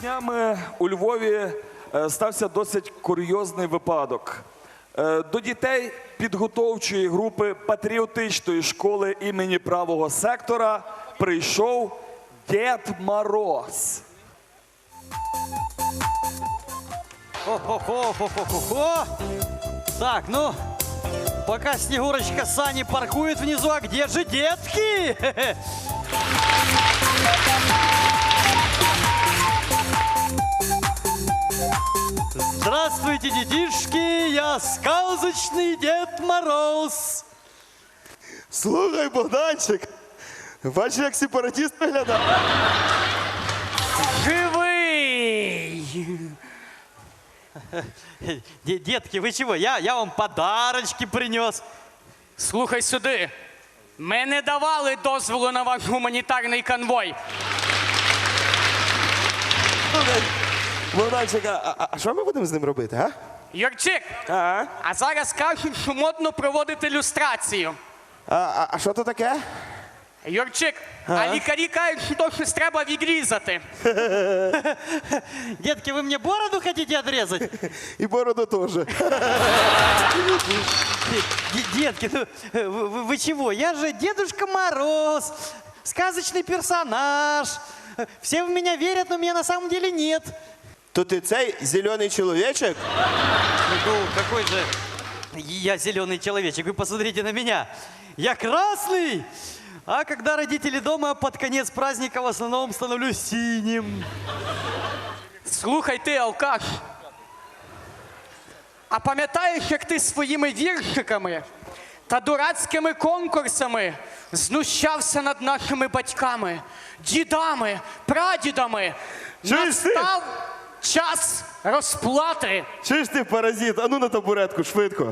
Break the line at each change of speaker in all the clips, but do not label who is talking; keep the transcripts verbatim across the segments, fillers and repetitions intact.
Днями у Львові е, стався досить курйозний випадок. Е, До дітей підготовчої групи патріотичної школи імені правого сектора прийшов Дід Мороз.
Хо-хо-хо-хо-хо-хо. Так, ну, пока Снегурочка Сани паркует внизу, а где же детки? Здравствуйте, детишки, я сказочный Дед Мороз.
Слухай, Богданчик, бачиш, як сепаратист виглядає?
Живый! Де- Детки, вы чего? Я, я вам подарочки принес.
Слухай сюди. Ми не давали дозволу на ваш гуманітарний конвой.
Слухай, Богданчик, а, а, а що ми будемо з ним робити, а?
Юрчик,
А,
а зараз кажуть, що модно проводити люстрацію.
а, а, а що то таке?
Юрчик, а лікарі кажуть, що то щось треба відрізати.
Детки, вы мне бороду хотите отрезать?
І бороду теж.
Д- Детки, ну, вы, вы- вы чего? Я же Дедушка Мороз, сказочный персонаж. Все в меня верят, но меня на самом деле нет.
То ти цей зелений чоловічок?
Ну, какой же я зеленый человечек? Вы посмотрите на меня. Я красный, а когда родители дома, под конец праздника в основном становлюсь синим.
Слухай ти, алкаш. А пам'ятаєш, як ти своїми віршиками та дурацькими конкурсами знущався над нашими батьками, дідами, прадідами?
Чуєш ти?
Настав час розплати.
Чуєш ти, паразит? А ну на табуретку, швидко.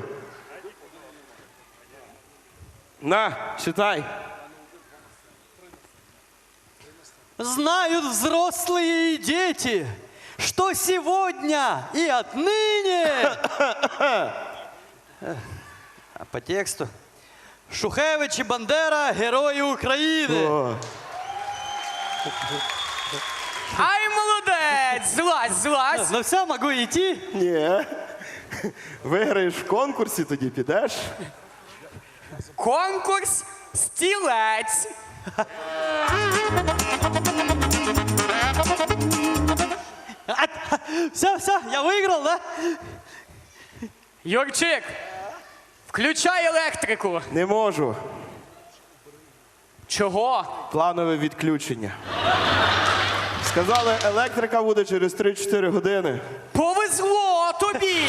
На, читай.
Знают взрослые и дети, что сегодня и отныне... А по тексту? Шухевич и Бандера – герои Украины.
О,
Ай, молодець! Злазь, злазь!
Ну все, могу идти?
ні. Виграєш в конкурсі, тоді підеш.
Конкурс «Стілець».
Все, все, я выиграл, да?
Юрчик, включай електрику.
Не можу.
Чого?
Планове відключення. Сказали, електрика буде через три-чотири години.
Повезло тобі!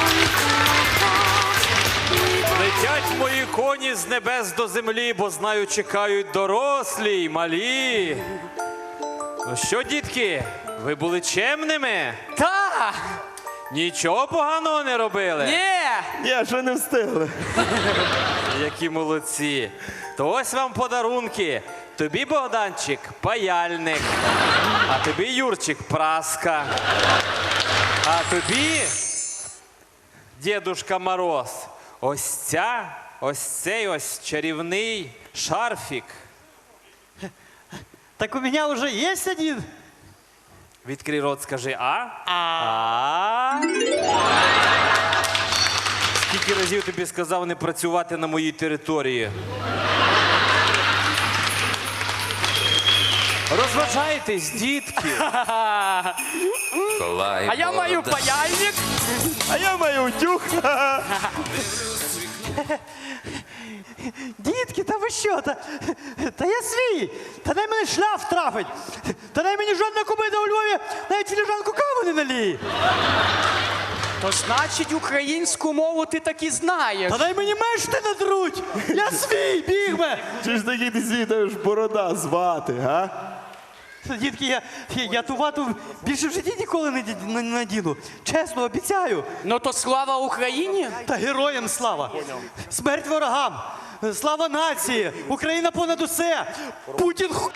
Летять мої коні з небес до землі, бо знаю, чекають дорослі й малі. Ну що, дітки, ви були чемними?
Та!
Нічого поганого не робили?
Ні!
Ні, що не встигли.
Які молодці. То ось вам подарунки. Тобі, Богданчик, паяльник. А тобі, Юрчик, праска. А тобі, Дідушка Мороз, ось ця, ось цей ось чарівний шарфік.
Так у меня уже есть один.
Відкрий рот, скажи а. А. Скільки разів тобі сказав не працювати на моїй території? Розважайтесь, дітки.
А я маю паяльник.
А я маю утюг.
Дітки, та ви що? Та, та я свій. Та дай мене шляф трафить. Та дай мені жодна кубита у Львові навіть філіжанку кави не наліє.
То значить, українську мову ти таки знаєш.
Та дай мені мешти надруть. Я свій, бігме.
Чи ж такий ти світаєш борода звати, га?
Дітки, я, я, я ту вату більше в житті ніколи не, ді- не надіну. Чесно, обіцяю.
Ну то слава Україні.
Та героям слава. Смерть ворогам. Слава нації. Україна понад усе. Путін ху...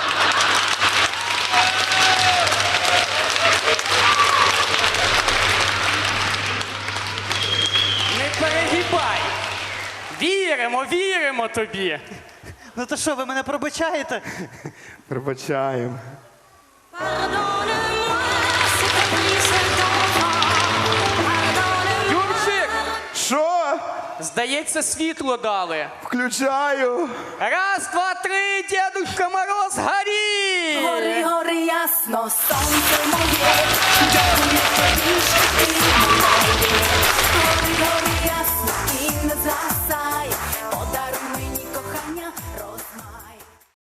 Не перегибай. Віримо, віримо тобі.
Ну то що, ви мене пробачаєте?
Пробачаємо.
Pardonne-moi.
Здається, світло дали.
Включаю.
Раз, два, три, Дедушка Мороз, горі!
Гори, гори, ясно, сонце моє,